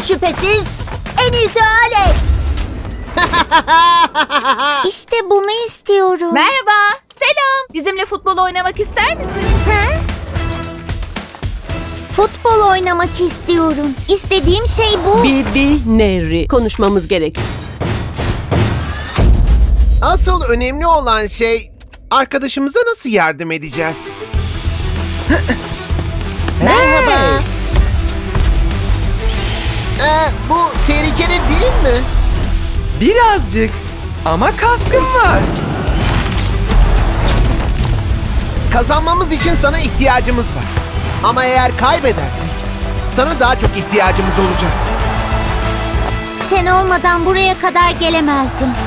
Şüphesiz en iyisi Alex. İşte bunu istiyorum. Merhaba, selam. Bizimle futbol oynamak ister misin? Ha? Futbol oynamak istiyorum. İstediğim şey bu. Bibi Neri. Konuşmamız gerek. Asıl önemli olan şey arkadaşımıza nasıl yardım edeceğiz? Merhaba. Bu tehlikeli değil mi? Birazcık. Ama kaskım var. Kazanmamız için sana ihtiyacımız var. Ama eğer kaybedersek sana daha çok ihtiyacımız olacak. Sen olmadan buraya kadar gelemezdim.